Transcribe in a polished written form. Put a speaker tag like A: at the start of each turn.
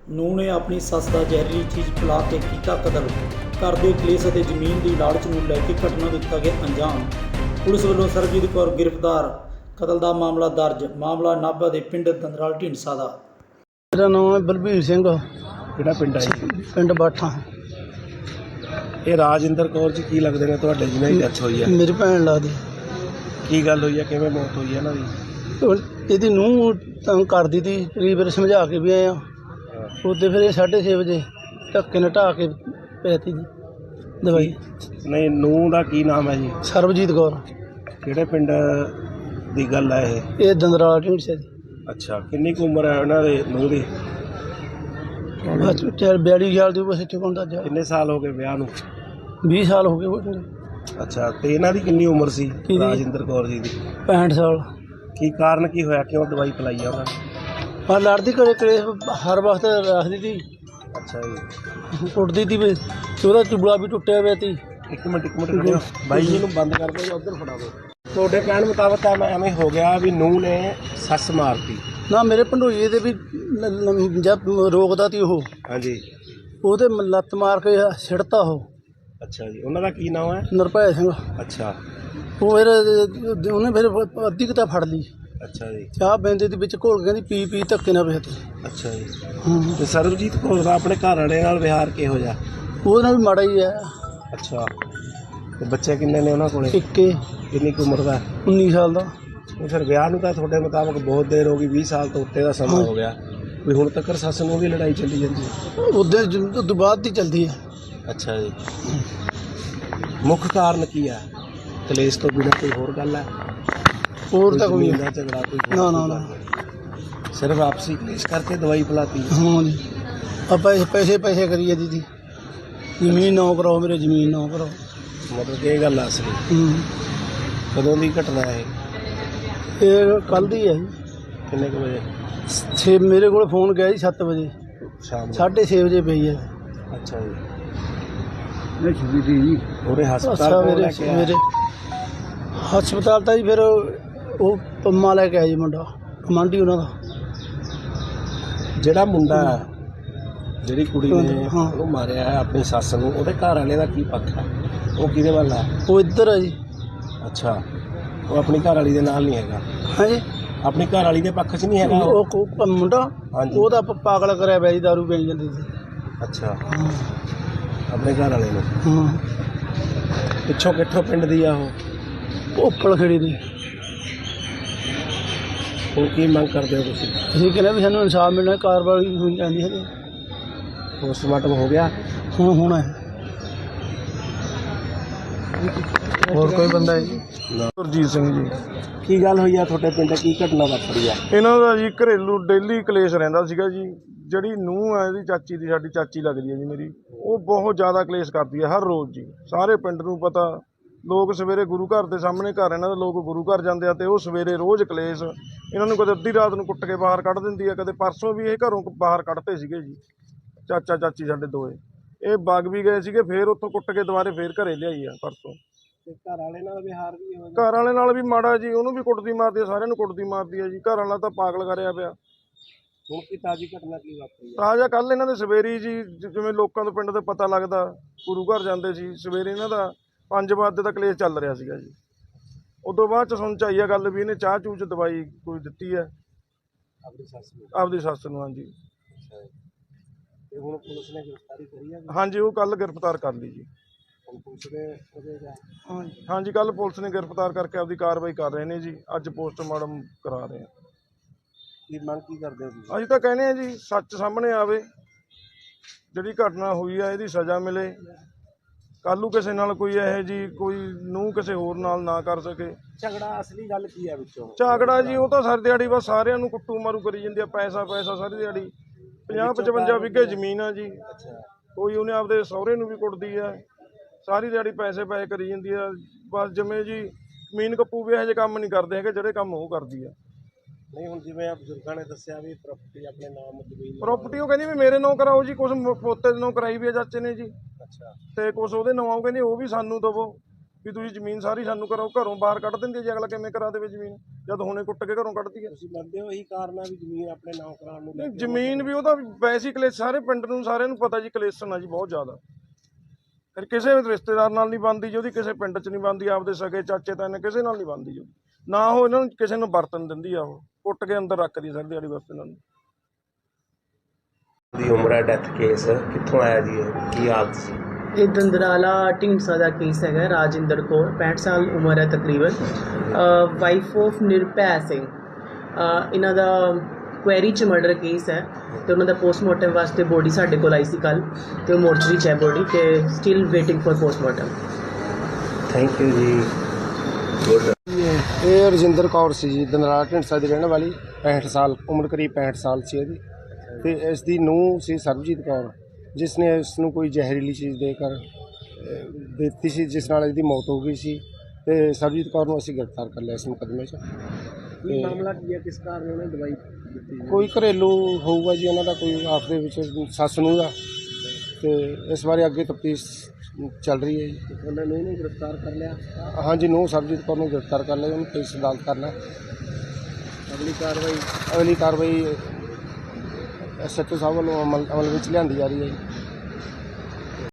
A: ਨੂੰਹ ਨੇ ਆਪਣੀ ਸੱਸ ਦਾ ਜ਼ਹਿਰੀਲੀ ਚੀਜ਼ ਪਿਲਾ ਕੇ ਕੀਤਾ ਕਤਲ। ਘਰ ਦੇ ਕਲੇਸ਼ ਅਤੇ ਜ਼ਮੀਨ ਦੀ ਲਾਲਚ ਨੂੰ ਲੈ ਕੇ ਘਟਨਾ ਨੂੰ ਦਿੱਤਾ ਗਿਆ ਅੰਜਾਮ। ਪੁਲਿਸ ਵੱਲੋਂ ਸਰਬਜੀਤ ਕੌਰ ਗ੍ਰਿਫਤਾਰ। ਕਤਲ ਦਾ ਮਾਮਲਾ ਦਰਜ। ਮਾਮਲਾ ਨਾਭਾ ਦੇ ਪਿੰਡ ਦੰਦਰਾਲ ਢੀਂਡਸਾ ਦਾ।
B: ਮੇਰਾ ਨਾਮ ਹੈ ਬਲਬੀਰ ਸਿੰਘ,
C: ਕਿਹੜਾ ਪਿੰਡ ਹੈ ਜੀ?
B: ਪਿੰਡ ਬਾਠਾ।
C: ਇਹ ਰਾਜਿੰਦਰ ਕੌਰ ਜੀ ਕੀ ਲੱਗਦੇ ਨੇ ਤੁਹਾਡੇ ਜਿਹਨਾਂ ਦੀ ਡੈਥ ਹੋਈ ਹੈ?
B: ਮੇਰੀ ਭੈਣ ਲੱਗਦੀ।
C: ਕੀ ਗੱਲ ਹੋਈ ਹੈ, ਕਿਵੇਂ ਮੌਤ ਹੋਈ ਹੈ ਇਹਨਾਂ ਦੀ?
B: ਇਹਦੀ ਨੂੰਹ ਤੰਗ ਕਰਦੀ ਤੀ, ਕਈ ਵਾਰ ਸਮਝਾ ਕੇ ਵੀ ਆਏ ਆ। ਉੱਤੇ ਫਿਰ ਇਹ 6:30 ਵਜੇ ਧੱਕੇ ਨਾਲ ਢਾਹ ਕੇ ਪੈਤੀ ਜੀ ਦਵਾਈ।
C: ਨਹੀਂ, ਨੂੰਹ ਦਾ ਕੀ ਨਾਮ ਹੈ ਜੀ?
B: ਸਰਬਜੀਤ ਕੌਰ।
C: ਕਿਹੜੇ ਪਿੰਡ ਦੀ ਗੱਲ ਹੈ ਇਹ?
B: ਇਹ ਦੰਦਰਾਲ ਢੀਂਡਸਾ ਜੀ।
C: ਅੱਛਾ, ਕਿੰਨੀ ਕੁ ਉਮਰ ਹੈ ਉਹਨਾਂ ਦੇ ਨੂੰਹ ਦੀ?
B: 42 ਸਾਲ ਦੀ ਬਸ ਇੱਥੇ ਕੋਲ ਜਾ।
C: ਕਿੰਨੇ ਸਾਲ ਹੋ ਗਏ ਵਿਆਹ ਨੂੰ?
B: 20 ਸਾਲ ਹੋ ਗਏ।
C: ਅੱਛਾ, ਤੇ ਇਹਨਾਂ ਦੀ ਕਿੰਨੀ ਉਮਰ ਸੀ
B: ਕਿਹਦੀ?
C: ਰਾਜਿੰਦਰ ਕੌਰ ਜੀ ਦੀ?
B: 65 ਸਾਲ।
C: ਕੀ ਕਾਰਨ ਕੀ ਹੋਇਆ, ਕਿਉਂ ਦਵਾਈ ਪਿਲਾਈ ਆ ਉਹਨਾਂ ਨੇ?
B: ਪਰ ਲੜਦੀ ਘਰੇ ਕਲੇਸ਼ ਹਰ ਵਕਤ ਰੱਖਦੀ ਤੀ,
C: ਅੱਛਾ ਜੀ।
B: ਕੁੱਟਦੀ ਤੀ ਵੀ, ਉਹਦਾ ਚੁਬਲਾ ਵੀ ਟੁੱਟਿਆ ਹੋਇਆ ਤੀ।
C: ਇੱਕ ਮਿੰਟ ਖੜਿਓ, ਬਾਈ ਜੀ ਨੂੰ ਬੰਦ ਕਰ ਦਿਓ, ਉੱਧਰ ਫੜਾ ਦਿਓ। ਤੁਹਾਡੇ ਕਹਿਣ ਮੁਤਾਬਕ ਤਾਂ ਐਵੇਂ ਹੋ ਗਿਆ ਵੀ ਨੂੰਹ ਨੇ ਸੱਸ ਮਾਰਤੀ?
B: ਨਾ, ਮੇਰੇ ਭੰਡੋਈਏ ਦੇ ਵੀ ਜਦ ਰੋਕਦਾ ਤੀ ਉਹ,
C: ਹਾਂਜੀ।
B: ਉਹਦੇ ਲੱਤ ਮਾਰ ਕੇ ਛਿੜਤਾ ਉਹ।
C: ਅੱਛਾ ਜੀ, ਉਹਨਾਂ ਦਾ ਕੀ ਨਾਮ ਹੈ?
B: ਨਿਰਭੈ ਸਿੰਘ।
C: ਅੱਛਾ।
B: ਉਹ ਫਿਰ ਉਹਨੇ ਫਿਰ ਅੱਧੀ ਕਿਤਾ ਫੜ ਲਈ।
C: ਅੱਛਾ ਜੀ।
B: ਚਾਹ ਬੈਂਦੇ ਦੇ ਵਿੱਚ ਘੋਲ ਕੇ ਕਹਿੰਦੀ ਪੀ ਪੀ ਧੱਕੇ ਨਾਲ ਵੇਚ।
C: ਅੱਛਾ ਜੀ।
B: ਹਾਂ,
C: ਤੇ ਸਰਬਜੀਤ ਕੌਰ ਦਾ ਆਪਣੇ ਘਰ ਵਾਲੇ ਨਾਲ ਵਿਹਾਰ ਕਿਹੋ ਜਿਹਾ?
B: ਉਹਦੇ ਨਾਲ ਵੀ ਮਾੜਾ ਹੀ ਹੈ।
C: ਅੱਛਾ, ਤੇ ਬੱਚੇ ਕਿੰਨੇ ਨੇ ਉਹਨਾਂ ਕੋਲੇ?
B: ਇੱਕੇ।
C: ਕਿੰਨੀ ਕੁ ਉਮਰ ਦਾ?
B: 19 ਸਾਲ ਦਾ।
C: ਉਹ ਫਿਰ ਵਿਆਹ ਨੂੰ ਤਾਂ ਤੁਹਾਡੇ ਮੁਤਾਬਕ ਬਹੁਤ ਦੇਰ ਹੋ ਗਈ, 20 ਸਾਲ ਤੋਂ ਉੱਤੇ ਦਾ ਸਮਾਂ ਹੋ ਗਿਆ, ਵੀ ਹੁਣ ਤੱਕ ਸੱਸ ਨੂੰ ਵੀ ਲੜਾਈ ਚੱਲੀ ਜਾਂਦੀ ਹੈ?
B: ਉਹਦੇ ਤੋਂ ਬਾਅਦ ਦੀ ਚੱਲਦੀ ਹੈ।
C: ਅੱਛਾ ਜੀ। ਮੁੱਖ ਕਾਰਨ ਕੀ ਹੈ? ਕਲੇਸ਼ ਤੋਂ ਬਿਨਾਂ ਕੋਈ ਹੋਰ ਗੱਲ ਹੈ?
B: ਹੋਰ ਤਾਂ ਕੋਈ
C: ਜ਼ਮੀਨ ਦਾ ਝਗੜਾ ਕੋਈ ਹੋਰ
B: ਨਾ ਨਾ ਨਾ।
C: ਸਿਰਫ ਆਪਸੀ ਕਲੇਸ਼ ਕਰਕੇ ਦਵਾਈ ਪਿਲਾਤੀ?
B: ਹਾਂ ਜੀ, ਆਪਾਂ ਪੈਸੇ ਪੈਸੇ ਕਰੀਏ ਦੀਦੀ, ਜ਼ਮੀਨ ਨਾ ਕਰਾਓ ਮੇਰੇ, ਜ਼ਮੀਨ ਨਾ ਕਰਾਓ।
C: ਮਤਲਬ ਕਿ ਇਹ ਗੱਲ ਆ ਅਸਲੀ? ਕਦੋਂ ਦੀ ਘਟਨਾ ਹੈ
B: ਇਹ ਕੱਲ੍ਹ ਦੀ ਹੈ ਜੀ।
C: ਕਿੰਨੇ ਕੁ ਵਜੇ?
B: 6 ਮੇਰੇ ਕੋਲ ਫੋਨ ਗਿਆ ਜੀ 7 ਵਜੇ,
C: ਸ਼ਾਮ ਨੂੰ?
B: 6:30 ਵਜੇ ਪਈ ਹੈ।
C: ਅੱਛਾ ਜੀ।
B: ਜੀ
C: ਉਹਦੇ
B: ਅੱਛਾ,
C: ਹਸਪਤਾਲ ਕੋਲ ਲੈ ਕੇ ਆਇਆ?
B: ਮੇਰੇ ਹਸਪਤਾਲ ਤਾਂ ਜੀ ਫਿਰ ਉਹ ਪੰਮਾ ਲੈ ਕੇ ਆਇਆ ਜੀ, ਮੁੰਡਾ ਕਮਾਂਡੀ ਉਹਨਾਂ ਦਾ।
C: ਜਿਹੜਾ ਮੁੰਡਾ, ਜਿਹੜੀ ਕੁੜੀ ਨੇ
B: ਹਾਂ।
C: ਉਹਨੂੰ ਮਾਰਿਆ ਹੈ ਆਪਣੀ ਸੱਸ ਨੂੰ, ਉਹਦੇ ਘਰ ਵਾਲੇ ਦਾ ਕੀ ਪੱਖ ਹੈ? ਉਹ ਕਿਹਦੇ ਵੱਲ ਹੈ?
B: ਉਹ ਇੱਧਰ ਹੈ ਜੀ।
C: ਅੱਛਾ, ਉਹ ਆਪਣੀ ਘਰ ਵਾਲੀ ਦੇ ਨਾਲ ਨਹੀਂ ਹੈਗਾ?
B: ਹਾਂਜੀ,
C: ਆਪਣੀ ਘਰ ਵਾਲੀ ਦੇ ਪੱਖ 'ਚ ਨਹੀਂ ਹੈਗਾ ਉਹ?
B: ਉਹ ਮੁੰਡਾ
C: ਹਾਂਜੀ।
B: ਉਹਦਾ ਪਾਗਲ ਕਰਿਆ ਪਿਆ ਜੀ, ਦਾਰੂ ਪੀਣ ਜਾਂਦੀ ਸੀ।
C: ਅੱਛਾ,
B: ਹਾਂ
C: ਆਪਣੇ ਘਰ ਵਾਲੇ ਨੂੰ?
B: ਹਾਂ।
C: ਪਿੱਛੋਂ ਕਿੱਥੋਂ ਪਿੰਡ ਦੀ ਆ ਉਹ?
B: ਉੱਪਲ ਖੇੜੀ ਦੀ।
C: ਹੁਣ ਕੀ ਮੰਗ ਕਰਦੇ ਹੋ ਤੁਸੀਂ?
B: ਅਸੀਂ ਕਹਿੰਦੇ ਵੀ ਸਾਨੂੰ ਇਨਸਾਫ ਮਿਲਣਾ, ਕਾਰਵਾਈ ਹੋਈ ਜਾਂਦੀ ਹੈ।
C: ਪੋਸਟਮਾਰਟਮ ਹੋ ਗਿਆ?
B: ਹੁਣ ਹੋਣਾ ਹੈ। ਹੋਰ ਕੋਈ ਬੰਦਾ ਹੈ ਜੀ?
D: ਗੁਰਜੀਤ ਸਿੰਘ ਜੀ।
C: ਕੀ ਗੱਲ ਹੋਈ ਆ ਤੁਹਾਡੇ ਪਿੰਡ? ਕੀ ਘਟਨਾ ਵਾਪਰੀ ਆ?
D: ਇਹਨਾਂ ਦਾ ਜੀ ਘਰੇਲੂ ਡੇਲੀ ਕਲੇਸ਼ ਰਹਿੰਦਾ ਸੀਗਾ ਜੀ। ਜਿਹੜੀ ਨੂੰਹ ਹੈ ਇਹਦੀ ਚਾਚੀ ਦੀ, ਸਾਡੀ ਚਾਚੀ ਲੱਗਦੀ ਹੈ ਜੀ ਮੇਰੀ, ਉਹ ਬਹੁਤ ਜ਼ਿਆਦਾ ਕਲੇਸ਼ ਕਰਦੀ ਹੈ ਹਰ ਰੋਜ਼ ਜੀ। ਸਾਰੇ ਪਿੰਡ ਨੂੰ ਪਤਾ, ਲੋਕ ਸਵੇਰੇ ਗੁਰੂ ਘਰ ਦੇ ਸਾਹਮਣੇ ਘਰ ਇਹਨਾਂ ਦੇ, ਲੋਕ ਗੁਰੂ ਘਰ ਜਾਂਦੇ ਆ ਤੇ ਉਹ ਸਵੇਰੇ ਰੋਜ਼ ਕਲੇਸ਼। ਇਹਨਾਂ ਨੂੰ ਕਦੇ ਅੱਧੀ ਰਾਤ ਨੂੰ ਕੁੱਟ ਕੇ ਬਾਹਰ ਕੱਢ ਦਿੰਦੀ ਹੈ, ਕਦੇ ਪਰਸੋਂ ਵੀ ਇਹ ਘਰੋਂ ਬਾਹਰ ਕੱਢਤੇ ਸੀਗੇ ਜੀ, ਚਾਚਾ ਚਾਚੀ ਸਾਡੇ ਦੋਏ। ਇਹ ਵਗ ਵੀ ਗਏ ਸੀਗੇ, ਫੇਰ ਉੱਥੋਂ ਕੁੱਟ ਕੇ ਦੁਬਾਰੇ ਫੇਰ ਘਰੇ ਲਿਆਈ ਆ ਪਰਸੋਂ।
C: ਤੇ ਘਰ ਵਾਲੇ ਨਾਲ ਵਿਹਾਰ ਵੀ ਹੋ
D: ਘਰ ਵਾਲੇ ਨਾਲ ਵੀ ਮਾੜਾ ਜੀ, ਉਹਨੂੰ ਵੀ ਕੁੱਟਦੀ ਮਾਰਦੀ ਹੈ, ਸਾਰਿਆਂ ਨੂੰ ਕੁੱਟਦੀ ਮਾਰਦੀ ਹੈ ਜੀ। ਘਰ ਵਾਲਾ ਤਾਂ ਪਾਗਲ ਕਰਿਆ ਪਿਆ।
C: ਹੁਣ ਕੀ ਤਾਜ਼ੀ ਘਟਨਾ ਕੀ ਵਾਪਰੀ ਆ?
D: ਤਾਜ਼ਾ ਕੱਲ੍ਹ ਇਹਨਾਂ ਦੇ ਸਵੇਰੀ ਜੀ, ਜਿਵੇਂ ਲੋਕਾਂ ਤੋਂ ਪਿੰਡ ਦੇ ਪਤਾ ਲੱਗਦਾ, ਗੁਰੂ ਘਰ ਜਾਂਦੇ ਸੀ ਸਵੇਰੇ, ਇਹਨਾਂ ਦਾ 5 ਵਜੇ ਦਾ ਕਲੇਸ਼ ਚੱਲ ਰਿਹਾ ਸੀਗਾ ਜੀ। ਉਦੋਂ ਬਾਅਦ 'ਚ ਸੁਣ 'ਚ ਆਈ ਆ ਗੱਲ ਵੀ ਇਹਨੇ ਚਾਹ ਚੂਹ 'ਚ ਦਵਾਈ ਕੋਈ ਦਿੱਤੀ ਹੈ
C: ਆਪਣੀ ਸੱਸ ਨੂੰ?
D: ਆਪਦੀ ਸੱਸ ਨੂੰ। ਹਾਂਜੀ।
C: ਤੇ ਹੁਣ ਪੁਲਿਸ ਨੇ ਗ੍ਰਿਫਤਾਰੀ ਕਰੀ ਆ?
D: ਹਾਂਜੀ, ਉਹ ਕੱਲ੍ਹ ਗ੍ਰਿਫਤਾਰ ਕਰ ਲਈ ਜੀ।
C: ਹੁਣ ਪੁਲਿਸ ਨੇ ਉਹਦੇ ਦਾ?
D: ਹਾਂਜੀ, ਕੱਲ੍ਹ ਪੁਲਿਸ ਨੇ ਗ੍ਰਿਫਤਾਰ ਕਰਕੇ ਆਪਦੀ ਕਾਰਵਾਈ ਕਰ ਰਹੇ ਨੇ ਜੀ। ਅੱਜ ਪੋਸਟਮਾਰਟਮ ਕਰਾ ਰਹੇ ਆ।
C: ਕੀ ਮੰਗ ਕੀ ਕਰਦੇ ਹੋ ਤੁਸੀਂ?
D: ਅਸੀਂ ਤਾਂ ਕਹਿੰਦੇ ਆ ਜੀ, ਸੱਚ ਸਾਹਮਣੇ ਆਵੇ, ਜਿਹੜੀ ਘਟਨਾ ਹੋਈ ਆ ਇਹਦੀ ਸਜ਼ਾ ਮਿਲੇ। ਕੱਲ੍ਹ ਨੂੰ ਕਿਸੇ ਨਾਲ ਕੋਈ ਇਹੋ ਜੀ ਕੋਈ ਨੂੰਹ ਕਿਸੇ ਹੋਰ ਨਾਲ ਨਾ ਕਰ ਸਕੇ।
C: ਝਗੜਾ ਅਸਲੀ ਗੱਲ ਕੀ ਹੈ ਵਿੱਚੋਂ?
D: ਝਗੜਾ ਜੀ, ਉਹ ਤਾਂ ਸਾਰੀ ਦਿਹਾੜੀ ਬਸ ਸਾਰਿਆਂ ਨੂੰ ਕੁੱਟੂ ਮਾਰੂ ਕਰੀ ਜਾਂਦੀ ਆ, ਪੈਸਾ ਪੈਸਾ ਸਾਰੀ ਦਿਹਾੜੀ। 50-55 ਵਿਗੇ ਜ਼ਮੀਨ ਆ ਜੀ।
C: ਅੱਛਾ।
D: ਕੋਈ ਉਹਨੇ ਆਪਦੇ ਸਹੁਰੇ ਨੂੰ ਵੀ ਕੁੱਟਦੀ ਆ, ਸਾਰੀ ਦਿਹਾੜੀ ਪੈਸੇ ਪੈਸੇ ਕਰੀ ਜਾਂਦੀ ਆ। ਬਸ ਜਿਵੇਂ ਜੀ ਜ਼ਮੀਨ ਕੱਪੂ ਵੀ ਇਹੋ ਜਿਹੇ ਕੰਮ ਨਹੀਂ ਕਰਦੇ ਹੈਗੇ ਜਿਹੜੇ ਕੰਮ ਉਹ ਕਰਦੀ ਆ।
C: ਨਹੀਂ, ਹੁਣ ਜਿਵੇਂ ਆ ਬਜ਼ੁਰਗਾਂ ਨੇ ਦੱਸਿਆ ਵੀ ਪ੍ਰਾਪਰਟੀ ਆਪਣੇ ਨਾਮ ਜ਼ਮੀਨ
D: ਪ੍ਰਾਪਰਟੀ ਉਹ ਕਹਿੰਦੀ ਵੀ ਮੇਰੇ ਨਾਂ ਕਰਾਓ ਜੀ, ਕੁਛ ਪੋਤੇ ਦੇ ਨਾਂ ਕਰਾਈ ਵੀ ਆ ਚਾਚੇ ਨੇ ਜੀ,
C: ਅੱਛਾ।
D: ਤੇ ਕੁਛ ਉਹਦੇ ਨਾਂ ਕਹਿੰਦੀ ਉਹ ਵੀ ਸਾਨੂੰ ਦੇਵੋ। ਵੀ ਤੁਸੀਂ ਜ਼ਮੀਨ ਸਾਰੀ ਸਾਨੂੰ ਘਰੋਂ ਬਾਹਰ ਕੱਢ ਦਿੰਦੇ ਜੀ। ਅਗਲਾ ਕਿਵੇਂ ਕਰਾ ਦੇਵੇ ਜ਼ਮੀਨ ਜਦ ਹੁਣੇ ਕੁੱਟ ਕੇ ਘਰੋਂ ਕੱਢਦੀ ਹੈ।
C: ਤੁਸੀਂ ਮੰਨਦੇ ਹੋ ਇਹੀ ਕਾਰਨ ਆ ਵੀ ਜ਼ਮੀਨ ਆਪਣੇ ਨਾਮ ਕਰਾਉਣ ਨੂੰ ਲੈ ਕੇ?
D: ਜ਼ਮੀਨ ਵੀ ਉਹਦਾ ਵੈਸੇ ਹੀ ਕਲੇਸ਼, ਸਾਰੇ ਪਿੰਡ ਨੂੰ ਸਾਰਿਆਂ ਨੂੰ ਪਤਾ ਜੀ ਕਲੇਸ਼ਨ ਆ ਜੀ ਬਹੁਤ ਜ਼ਿਆਦਾ। ਫਿਰ ਕਿਸੇ ਰਿਸ਼ਤੇਦਾਰ ਨਾਲ ਨਹੀਂ ਬਣਦੀ ਜੀ ਉਹਦੀ, ਕਿਸੇ ਪਿੰਡ 'ਚ ਨਹੀਂ ਬਣਦੀ, ਆਪਦੇ ਸਕੇ ਚਾਚੇ ਤਾਏ ਕਿਸੇ ਨਾਲ ਨਹੀਂ ਬਣਦੀ ਜੀ। ਨਾ ਉਹ ਇਹਨਾਂ ਨੂੰ ਕਿਸੇ ਨੂੰ ਵਰਤਨ ਦਿੰਦੀ ਆ, ਉਹ ਕੁੱਟ ਕੇ ਅੰਦਰ ਰੱਖਦੀ ਸਾਰੀ ਦਿਹਾੜੀ ਬਸ ਇਹਨਾਂ ਨੂੰ।
C: ਦੀ ਉਮਰ ਹੈ, ਡੈਥ ਕੇਸ ਕਿੱਥੋਂ ਆਇਆ ਜੀ, ਕੀ ਹਾਲਤ ਸੀ?
E: ਇਹ ਦੰਦਰਾਲਾ ਢੀਂਡਸਾ ਦਾ ਕੇਸ ਹੈਗਾ। ਰਾਜਿੰਦਰ ਕੌਰ 65 ਸਾਲ ਉਮਰ ਹੈ ਤਕਰੀਬਨ, ਵਾਈਫ ਆਫ ਨਿਰਭੈ ਸਿੰਘ। ਇਹਨਾਂ ਦਾ ਕੁਐਰੀ 'ਚ ਮਰਡਰ ਕੇਸ ਹੈ ਅਤੇ ਉਹਨਾਂ ਦਾ ਪੋਸਟਮਾਰਟਮ ਵਾਸਤੇ ਬੋਡੀ ਸਾਡੇ ਕੋਲ ਆਈ ਸੀ ਕੱਲ੍ਹ, ਅਤੇ ਉਹ ਮੋਰਚਰੀ 'ਚ ਹੈ ਬੋਡੀ, ਅਤੇ still waiting for postmortem.
C: Thank you ji. Good.
B: ਇਹ ਰਜਿੰਦਰ ਕੌਰ ਸੀ ਜੀ, ਦੰਦਰਾਲਾ ਢੀਂਡਸਾ ਦੀ ਰਹਿਣ ਵਾਲੀ, 65 ਸਾਲ ਉਮਰ, ਕਰੀਬ 65 ਸਾਲ ਸੀ ਇਹਦੀ। ਅਤੇ ਇਸ ਦੀ ਨੂੰਹ ਸੀ ਸਰਬਜੀਤ ਕੌਰ, ਜਿਸ ਨੇ ਇਸ ਨੂੰ ਕੋਈ ਜ਼ਹਿਰੀਲੀ ਚੀਜ਼ ਦੇ ਕਰ ਦਿੱਤੀ ਸੀ, ਜਿਸ ਨਾਲ ਇਹਦੀ ਮੌਤ ਹੋ ਗਈ ਸੀ। ਅਤੇ ਸਰਬਜੀਤ ਕੌਰ ਨੂੰ ਅਸੀਂ ਗ੍ਰਿਫਤਾਰ ਕਰ ਲਿਆ ਇਸ ਮੁਕੱਦਮੇ 'ਚ।
C: ਕੀ ਮਾਮਲਾ ਕੀ ਹੈ, ਕਿਸ ਕਾਰਨ ਉਹਨੇ ਦਵਾਈ ਦਿੱਤੀ?
B: ਕੋਈ ਘਰੇਲੂ ਹੋਊਗਾ ਜੀ ਉਹਨਾਂ ਦਾ, ਕੋਈ ਆਪਸ ਦੇ ਵਿੱਚ ਸੱਸ ਨੂੰਹ ਦਾ, ਅਤੇ ਇਸ ਬਾਰੇ ਅੱਗੇ ਤਫਤੀਸ਼ ਚੱਲ ਰਹੀ ਹੈ ਜੀ।
C: ਉਹਨਾਂ ਨੂੰ ਇਹਨੂੰ ਗ੍ਰਿਫਤਾਰ ਕਰ ਲਿਆ?
B: ਹਾਂਜੀ, ਨੂੰਹ ਸਰਬਜੀਤ ਕੌਰ ਨੂੰ ਗ੍ਰਿਫਤਾਰ ਕਰ ਲਿਆ, ਉਹਨੂੰ ਪੁਲਿਸ ਅਦਾਲਤ ਕਰਨਾ।
C: ਅਗਲੀ ਕਾਰਵਾਈ
B: ਐਸਐਚਓ ਸਾਹਿਬ ਵੱਲੋਂ ਅਮਲ ਵਿੱਚ ਲਿਆਂਦੀ ਜਾ ਰਹੀ ਹੈ ਜੀ।